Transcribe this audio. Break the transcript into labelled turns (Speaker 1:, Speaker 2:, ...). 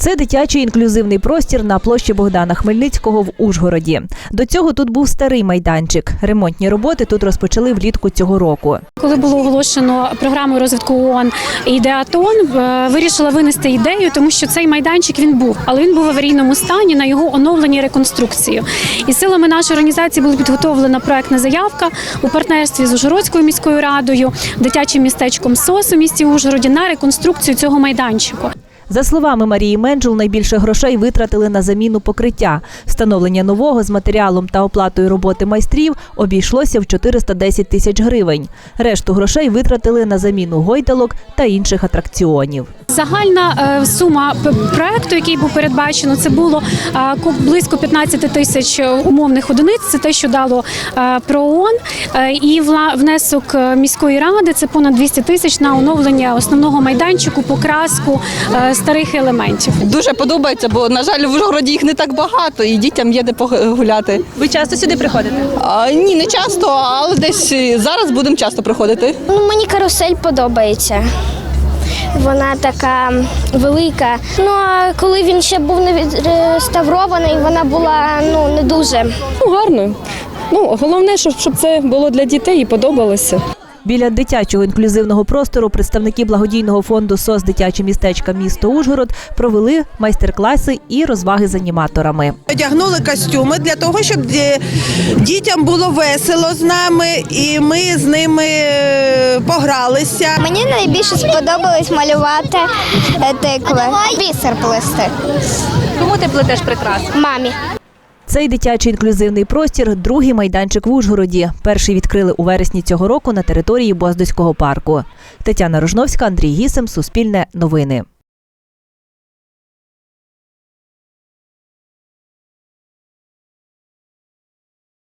Speaker 1: Це дитячий інклюзивний простір на площі Богдана Хмельницького в Ужгороді. До цього тут був старий майданчик. Ремонтні роботи тут розпочали влітку цього року.
Speaker 2: Коли було оголошено програмою розвитку ООН «Ідеатон», вирішила винести ідею, тому що цей майданчик він був, але він був в аварійному стані на його оновленні і реконструкцію. І силами нашої організації була підготовлена проектна заявка у партнерстві з Ужгородською міською радою, дитячим містечком СОС у місті Ужгороді на реконструкцію цього майданчику.
Speaker 1: За словами Марії Менджул, найбільше грошей витратили на заміну покриття. Встановлення нового з матеріалом та оплатою роботи майстрів обійшлося в 410 тисяч гривень. Решту грошей витратили на заміну гойдалок та інших атракціонів.
Speaker 2: Загальна сума проекту, який був передбачено, це було близько 15 тисяч умовних одиниць. Це те, що дало ПРООН. І внесок міської ради – це понад 200 тисяч на оновлення основного майданчику, покраску старих елементів.
Speaker 3: Дуже подобається, бо, на жаль, в Ужгороді їх не так багато і дітям є де погуляти.
Speaker 1: Ви часто сюди приходите?
Speaker 3: Ні, не часто, але десь зараз будемо часто приходити.
Speaker 4: Мені карусель подобається. Вона така велика. А коли він ще був не відреставрований, вона була не дуже.
Speaker 5: Гарно. Головне, щоб це було для дітей і подобалося.
Speaker 1: Біля дитячого інклюзивного простору представники благодійного фонду «СОС. Дитяче містечка місто Ужгород» провели майстер-класи і розваги з аніматорами.
Speaker 6: Одягнули костюми для того, щоб дітям було весело з нами, і ми з ними погралися.
Speaker 4: Мені найбільше сподобалось малювати тикви, бісер плести.
Speaker 1: Кому ти плетеш прикраси?
Speaker 4: Мамі.
Speaker 1: Цей дитячий інклюзивний простір – другий майданчик в Ужгороді. Перший відкрили у вересні цього року на території Боздоського парку. Тетяна Рожновська, Андрій Гісем, Суспільне новини.